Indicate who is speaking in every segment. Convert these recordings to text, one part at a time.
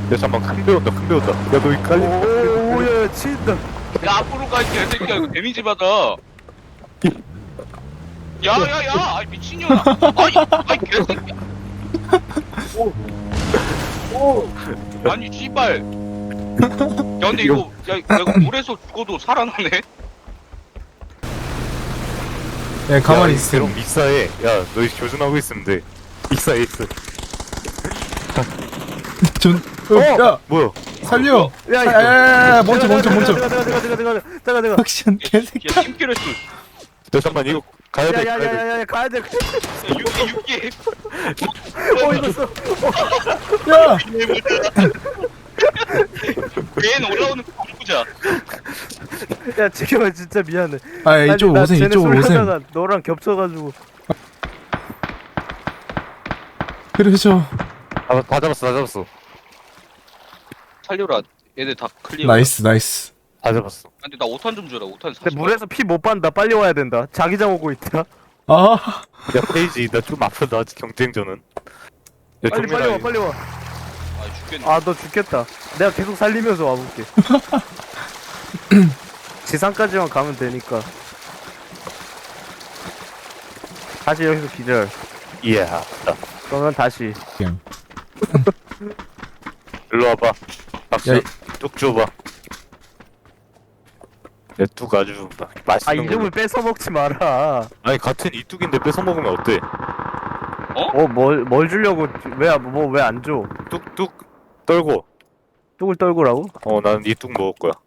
Speaker 1: 야 잠깐만 큰 배웠다 큰 배웠다 야 너 이 깔리
Speaker 2: 오야 치인다.
Speaker 3: 야 앞으로 가 이 개새끼야 이거 데미지 받아. 야야야 아이 미친년아. 아이 개새끼야. 오. 아니 씨발. 야 근데 이거 야 내가 물에서 죽어도 살아나네.
Speaker 4: 야 가만히 있어.
Speaker 1: 그럼 익사해 야 너희 교전하고 있으면 돼 익사해 익사
Speaker 4: 야
Speaker 1: 뭐야
Speaker 4: 살려.
Speaker 2: 야,
Speaker 4: 야야야 먼저.
Speaker 2: 내가.
Speaker 4: 확신 개새끼.
Speaker 3: 야 팀킬했어.
Speaker 1: 야 잠깐만 이거 가야 돼 가야 돼
Speaker 2: 야야야야야 가야 돼.
Speaker 3: 육기.
Speaker 2: 이거 써.
Speaker 4: 야
Speaker 3: 얘는 올라오는 거 보자.
Speaker 2: 야 지금은 진짜 미안해.
Speaker 4: 아 이쪽
Speaker 2: 나
Speaker 4: 오셈
Speaker 2: 쟤네
Speaker 4: 이쪽으로 오셈.
Speaker 2: 쏠려다가 너랑 겹쳐가지고.
Speaker 4: 그래죠.
Speaker 1: 다 잡았어 다 잡았어
Speaker 3: 살려라. 얘들 다 클리어.
Speaker 4: 나이스.
Speaker 1: 다 잡았어
Speaker 3: 근데 나 5탄 좀 줘라. 5탄 40.
Speaker 2: 근데 물에서 피 못 빤다. 빨리 와야 된다. 자기장 오고 있다.
Speaker 4: 아
Speaker 1: 야 페이지 나 좀 아프다 아직 경쟁전은 야
Speaker 2: 빨리
Speaker 1: 정민아
Speaker 2: 와 빨리 와.
Speaker 3: 아 죽겠네.
Speaker 2: 아 너 죽겠다. 내가 계속 살리면서 와볼게. 지상까지만 가면 되니까. 다시 여기서 기절.
Speaker 1: 이야
Speaker 2: 그러면 다시.
Speaker 4: 그냥.
Speaker 1: 일로 와봐 박수
Speaker 4: 야,
Speaker 1: 뚝 줘봐 야뚝 아주
Speaker 2: 아
Speaker 1: 맛있는 거
Speaker 2: 이름을 뺏어 먹지 마라.
Speaker 1: 아니 같은 이 뚝인데 뺏어 먹으면 어때
Speaker 2: 뭘 주려고 왜 안 줘?
Speaker 1: 뚝뚝 떨고
Speaker 2: 뚝을 떨구라고?
Speaker 1: 나는 이 뚝 먹을 거야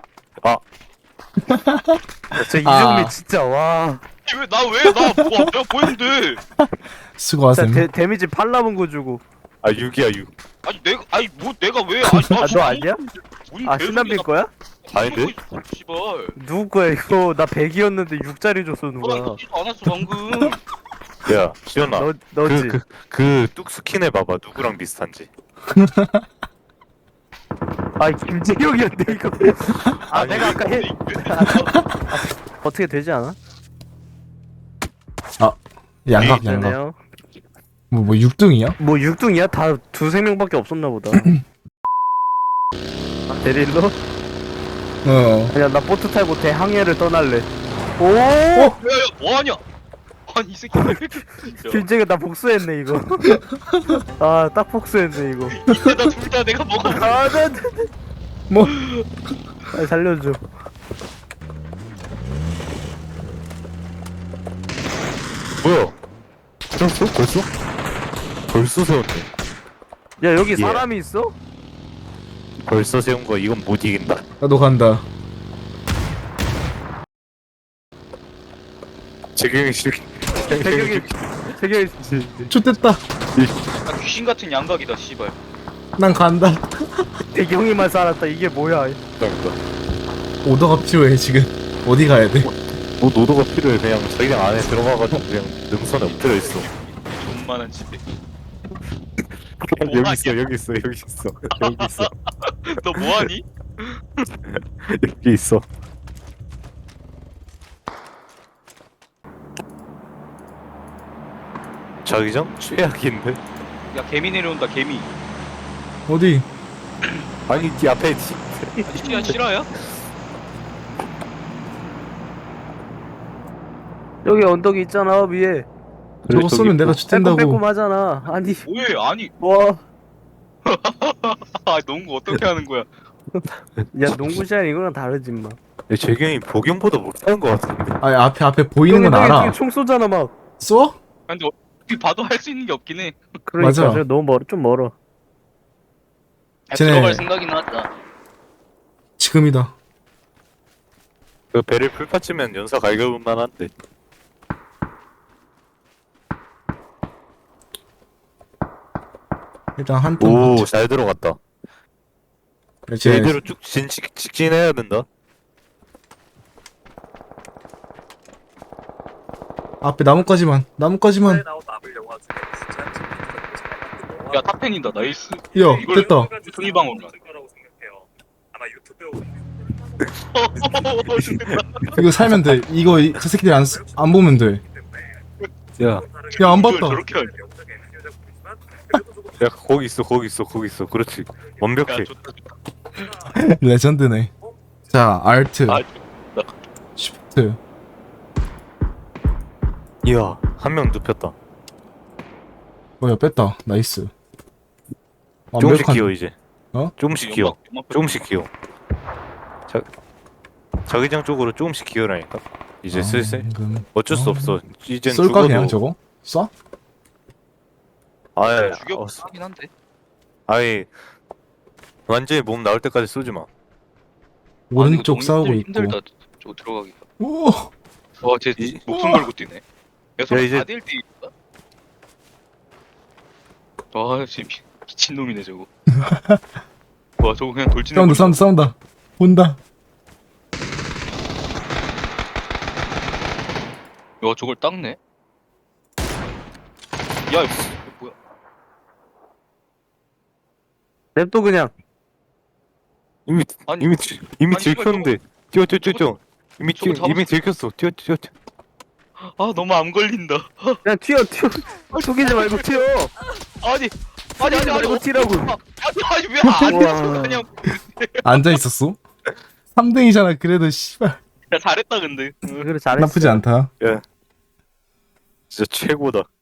Speaker 2: 저
Speaker 4: 아.
Speaker 2: 이정미 진짜 와.
Speaker 3: 내가 보였는데.
Speaker 4: 수고하셈.
Speaker 2: 진짜 데미지 팔 남은 거 주고.
Speaker 1: 아 6이야 6
Speaker 3: 아니 내가 왜?
Speaker 2: 너 아니야? 아 신남빈 거야?
Speaker 1: 아닌데?
Speaker 3: 씨발.
Speaker 2: 누구 거야 이거? 나 100이었는데 6짜리 줬어
Speaker 3: 나
Speaker 2: 누가?
Speaker 3: 이거 안 왔어 방금.
Speaker 1: 야 시연아
Speaker 2: 너지?
Speaker 1: 그 뚝 스킨 해봐봐 누구랑 비슷한지
Speaker 2: 아 김재경이었는데 이거. 아
Speaker 1: 아니,
Speaker 2: 내가 아까 해 어떻게 되지 않아?
Speaker 4: 양각.
Speaker 2: 되네요.
Speaker 4: 뭐 6등이야?
Speaker 2: 뭐 6등이야? 다 두세 명밖에 없었나 보다. 아, 데릴로?
Speaker 4: 어.
Speaker 2: 아니야 나 보트 타고 대항해를 떠날래. 오!
Speaker 3: 야야 뭐하냐? 아니 이 새끼.
Speaker 2: 김재경 나 복수했네 이거. 아 딱 복수했네 이거.
Speaker 3: 이때 나둘 다 내가 먹어.
Speaker 2: 아나
Speaker 4: 뭐
Speaker 2: 빨리 살려줘.
Speaker 1: 뭐야 세웠어? 벌써? 벌써 세웠네
Speaker 2: 야 여기
Speaker 1: 예.
Speaker 2: 사람이 있어?
Speaker 1: 벌써 세운 거 이건 못 이긴다
Speaker 4: 나도 간다.
Speaker 1: 재경이 싫
Speaker 2: 재경이
Speaker 4: 좆됐다.
Speaker 3: 나 귀신 같은 양각이다 씨발.
Speaker 4: 난 간다.
Speaker 2: 재경이만 살았다. 이게 뭐야?
Speaker 1: 감사합니다
Speaker 4: 오더가 필요해 지금. 어디 가야 돼?
Speaker 1: 뭐 노도가 필요해 그냥 자기장 안에 들어가가지고 그냥 능선에 엎드려 있어
Speaker 3: 존만한 집에.
Speaker 1: 여기 있어 여기 있어 여기 있어 여기 있어
Speaker 3: 너 뭐하니?
Speaker 1: 여기 있어 자기장? 최악인데?
Speaker 3: 야 개미 내려온다 개미.
Speaker 4: 어디?
Speaker 1: 아니 이 앞에
Speaker 3: 아니 실화야?
Speaker 2: 여기 언덕이 있잖아 위에.
Speaker 4: 저거 쏘면 내가 좆된다고.
Speaker 2: 빼꼼하잖아. 아니
Speaker 3: 왜 아니?
Speaker 2: 와.
Speaker 3: 아 농구 어떻게 하는 거야?
Speaker 2: 야 농구 시간 이거랑 다르지 마.
Speaker 1: 재경이 복용보다 못하는 것 같은데
Speaker 4: 아니 앞에 보이는 건 알아.
Speaker 2: 총 쏘잖아 막.
Speaker 4: 쏘?
Speaker 3: 근데 어떻게 봐도 할 수 있는 게 없긴 해.
Speaker 2: 그러니까
Speaker 4: 맞아.
Speaker 2: 저 너무 멀어 좀 멀어.
Speaker 4: 쟤네-
Speaker 3: 들어갈 생각이 나왔다.
Speaker 4: 지금이다.
Speaker 1: 그 배를 풀파치면 연사 갈겨볼만 한데
Speaker 4: 일단 한 턴.
Speaker 1: 오 잘 들어갔다
Speaker 4: 그렇지.
Speaker 1: 제대로 쭉 직진해야 된다
Speaker 4: 앞에 나뭇가지만.
Speaker 3: 야 탑텐이다 나이스.
Speaker 4: 야
Speaker 3: 이걸-
Speaker 4: 됐다.
Speaker 3: 순위방어로.
Speaker 4: 이거 살면 돼. 이거 저 새끼들 안 보면 돼.
Speaker 1: 야
Speaker 4: 야 안 봤다.
Speaker 3: 저렇게 하냐?
Speaker 1: 야 거기 있어 거기 있어 거기 있어. 그렇지. 완벽해.
Speaker 3: 야 좋다 좋다.
Speaker 4: 레전드네. 자, 알트,
Speaker 3: 아
Speaker 4: 쉬프트.
Speaker 1: 이야 한 명 눕혔다.
Speaker 4: 뭐야, 뺐다. 나이스.
Speaker 1: 조금씩
Speaker 4: 완벽한-
Speaker 1: 기어 이제.
Speaker 4: 어?
Speaker 1: 조금씩 기어.
Speaker 3: 연막
Speaker 1: 조금씩 기어. 자기장 쪽으로 조금씩 기어라니까. 이제 슬슬. 어쩔 수 없어. 이젠
Speaker 4: 쏠까
Speaker 1: 죽어도.
Speaker 4: 그냥 저거? 쏴?
Speaker 1: 아예
Speaker 3: 죽여 하긴 한데.
Speaker 1: 아예 완전히 몸 나올 때까지 쏘지 마.
Speaker 4: 오른쪽
Speaker 3: 아니, 이거
Speaker 4: 싸우고
Speaker 3: 너무
Speaker 4: 있고.
Speaker 3: 힘들다. 저 들어가기가.
Speaker 4: 오!
Speaker 3: 와쟤 목숨 걸고 뛰네. 야 설마
Speaker 1: 이제-
Speaker 3: 4대1 와 진짜 미친놈이네 저거. 와 저거 그냥 돌진해.
Speaker 4: 싸운다. 본다.
Speaker 3: 야 저걸 닦네. 야 이거 뭐야?
Speaker 2: 냅둬 그냥.
Speaker 1: 이미
Speaker 3: 아니,
Speaker 1: 이미 이미
Speaker 3: 아니, 이거
Speaker 1: 들켰는데. 뛰어. 이미
Speaker 3: 저거
Speaker 1: 이미 들켰어. 뛰어.
Speaker 3: 아 너무 암 걸린다.
Speaker 2: 그냥 튀어. 속이지 말고 튀어.
Speaker 3: 아니
Speaker 2: 속이지 말고 튀라고.
Speaker 3: 아니 왜안
Speaker 2: 우와.
Speaker 3: 했어 그냥.
Speaker 4: 앉아 있었어? 3등이잖아. 그래도 씨발
Speaker 3: 야 잘했다 근데.
Speaker 2: 그래 잘했어.
Speaker 4: 나쁘지 않다.
Speaker 1: 진짜 최고다.